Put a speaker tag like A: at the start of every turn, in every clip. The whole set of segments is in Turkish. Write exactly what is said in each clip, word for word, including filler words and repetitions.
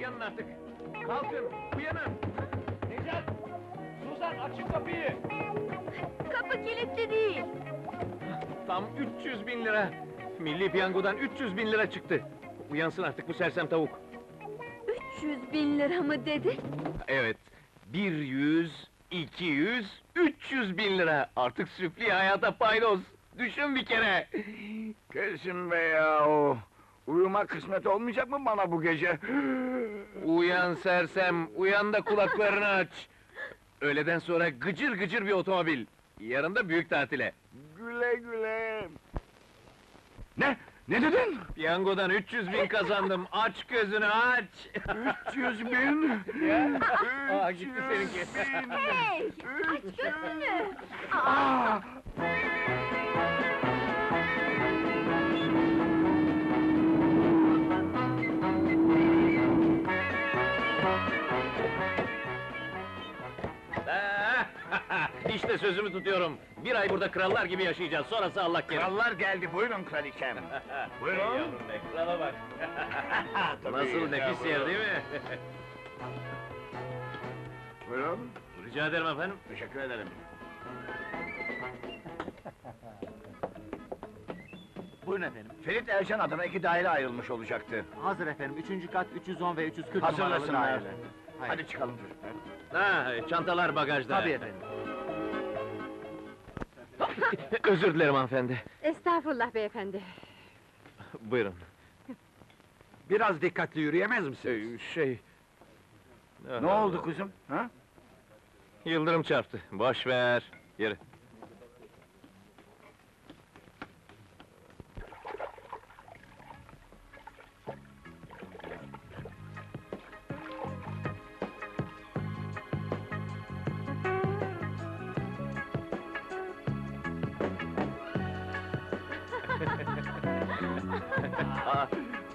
A: uyanın artık! Kalkın, uyanın! Necat! Suzan, açın kapıyı!
B: Kapı kilitli değil.
A: Tam üç yüz bin lira! Milli piyangodan üç yüz bin lira çıktı! Uyansın artık bu sersem tavuk!
B: üç yüz bin lira mı dedi?
A: Evet, bir yüz, iki yüz, üç yüz bin lira! Artık süfli hayata paydos! Düşün bir kere!
C: Kesin be yahu! Uyumak kısmet olmayacak mı bana bu gece?
A: Uyan sersem, uyan da kulaklarını aç! Öğleden sonra gıcır gıcır bir otomobil! Yarın da büyük tatile!
C: Güle güle! Ne? Ne dedin?
A: Piyangodan üç yüz bin kazandım, aç gözünü aç!
C: üç yüz bin!
A: Ya! Aa,
C: üç
A: gitti
C: yüz
A: seninki.
C: bin!
B: Hey! Aç gözünü! Aa,
C: Aa!
A: İşte sözümü tutuyorum. Bir ay burada krallar gibi yaşayacağız, sonrası Allah kerim.
C: Krallar geldi, buyurun kraliçem! Buyurun.
A: Ey yavrum be, krala bak!
C: Tabii,
A: Nasıl nefis yer değil mi?
C: Buyurun,
A: Rica ederim efendim.
C: teşekkür ederim.
D: Buyurun efendim.
C: Ferit Ercan adına iki daire ayrılmış olacaktı.
D: Hazır efendim. Üçüncü kat üç yüz on ve üç yüz kırk numaralı
C: Hazırlasınlar.
D: daire. Hayır.
C: Hadi çıkalım çocuklar.
A: Ha, çantalar bagajda.
D: Tabii efendim.
A: Özür dilerim hanımefendi.
B: estağfurullah beyefendi.
A: Buyurun.
E: Biraz dikkatli yürüyemez misiniz?
A: Ee, şey...
C: Ne oldu kızım? Ha?
A: Yıldırım çarptı. Boş ver. Yürü. Aa,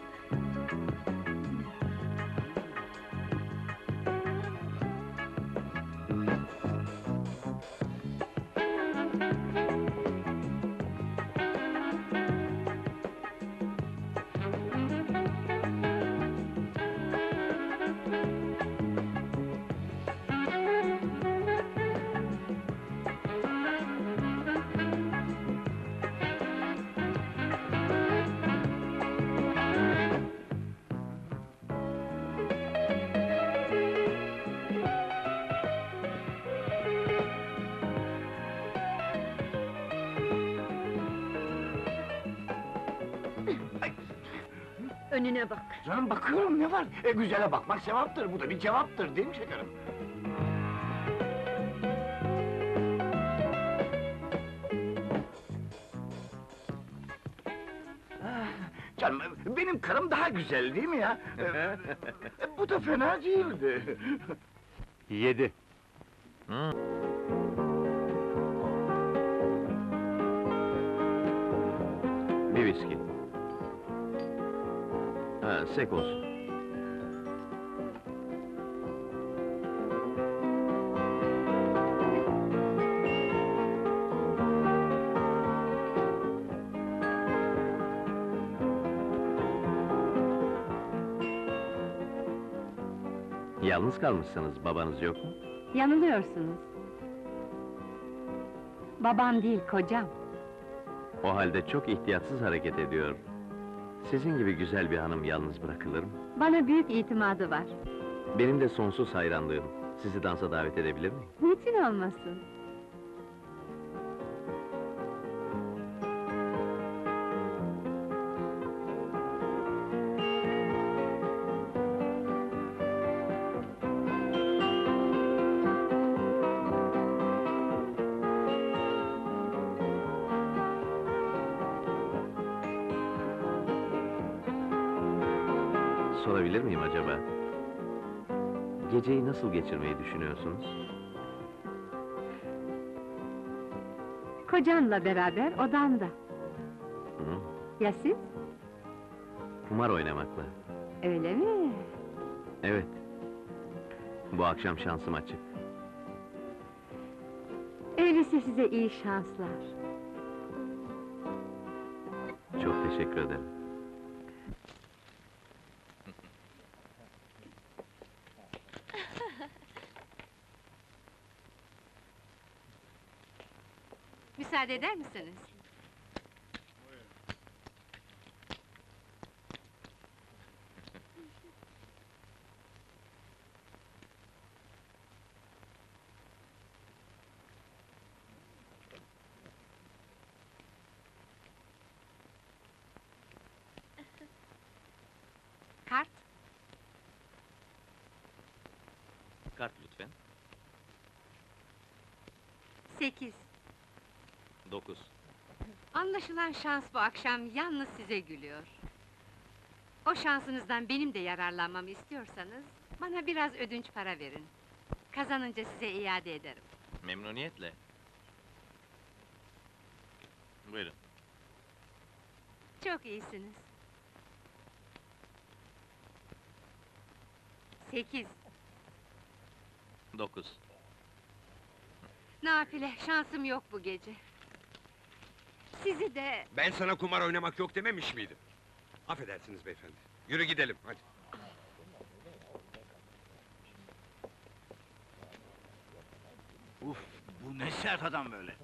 B: Önüne bak.
C: Canım bakıyorum, ne var? E güzele bakmak sevaptır, bu da bir cevaptır değil mi şekerim? Ah, canım, benim karım daha güzel değil mi ya? E, bu da fena değildi.
A: Yedi. Hı. Bir viski. Ha, sek olsun. Yalnız kalmışsınız, babanız yok mu?
B: Yanılıyorsunuz. Babam değil, kocam.
A: O halde çok ihtiyatsız hareket ediyor. Sizin gibi güzel bir hanım yalnız bırakılır mı?
B: Bana büyük itimadı var.
A: Benim de sonsuz hayranlığım. Sizi dansa davet edebilir miyim?
B: Niçin olmasın?
A: Sorabilir miyim acaba? Geceyi nasıl geçirmeyi düşünüyorsunuz?
B: Kocanla beraber odamda.
A: Hı?
B: Ya siz?
A: Kumar oynamakla.
B: Öyle mi?
A: Evet. Bu akşam şansım açık.
B: Öyleyse size iyi şanslar.
A: Çok teşekkür ederim.
B: müsaade eder misiniz? Kart.
A: Kart lütfen.
B: Sekiz.
A: Dokuz.
B: Anlaşılan şans bu akşam yalnız size gülüyor. O şansınızdan benim de yararlanmamı istiyorsanız, bana biraz ödünç para verin. Kazanınca size iade ederim.
A: Memnuniyetle. Buyurun.
B: Çok iyisiniz. Sekiz.
A: Dokuz.
B: Nafile, şansım yok bu gece. Sizi de...
E: Ben sana kumar oynamak yok dememiş miydim? Affedersiniz beyefendi. Yürü gidelim, hadi.
C: Uf, bu ne sert adam böyle.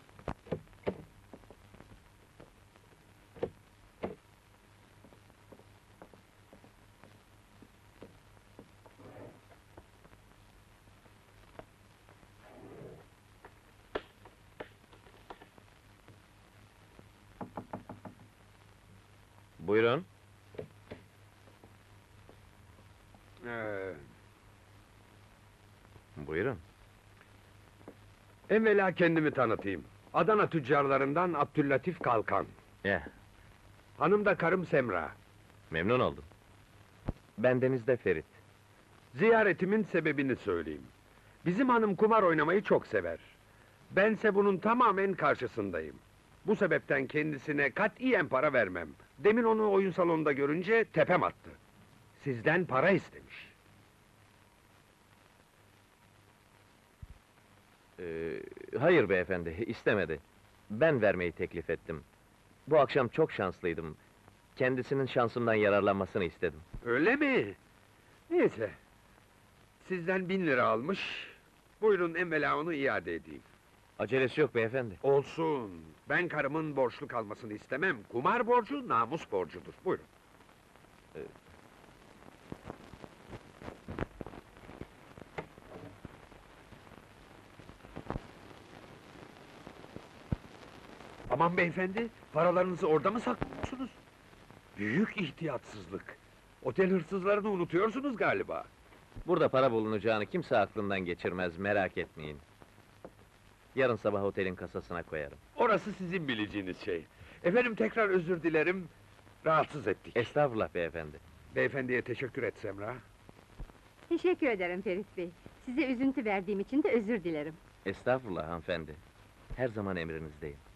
A: Buyurun.
E: Ee,
A: Buyurun.
E: evvela kendimi tanıtayım. Adana tüccarlarından Abdüllatif Kalkan.
A: Ya,
E: Hanım da karım Semra.
A: memnun oldum. Bendeniz de Ferit.
E: Ziyaretimin sebebini söyleyeyim. Bizim hanım kumar oynamayı çok sever. Bense bunun tamamen karşısındayım. Bu sebepten kendisine katiyen para vermem. Demin onu oyun salonunda görünce tepem attı. Sizden para istemiş.
A: Ee, hayır beyefendi, istemedi. Ben vermeyi teklif ettim. Bu akşam çok şanslıydım. Kendisinin şansımdan yararlanmasını istedim.
E: Öyle mi? Neyse. Sizden bin lira almış. Buyurun evvela onu iade edeyim.
A: Acelesi yok beyefendi.
E: Olsun. Ben karımın borçlu kalmasını istemem. Kumar borcu namus borcudur. Buyurun. Aman beyefendi, paralarınızı orada mı saklıyorsunuz? Büyük ihtiyatsızlık. Otel hırsızlarını unutuyorsunuz galiba.
A: Burada para bulunacağını kimse aklından geçirmez, merak etmeyin. Yarın sabah otelin kasasına koyarım.
E: Orası sizin bileceğiniz şey. Efendim tekrar özür dilerim, rahatsız ettik.
A: Estağfurullah beyefendi.
E: Beyefendiye teşekkür et Semra.
B: Teşekkür ederim Ferit Bey. Size üzüntü verdiğim için de özür dilerim.
A: Estağfurullah hanımefendi. Her zaman emrinizdeyim.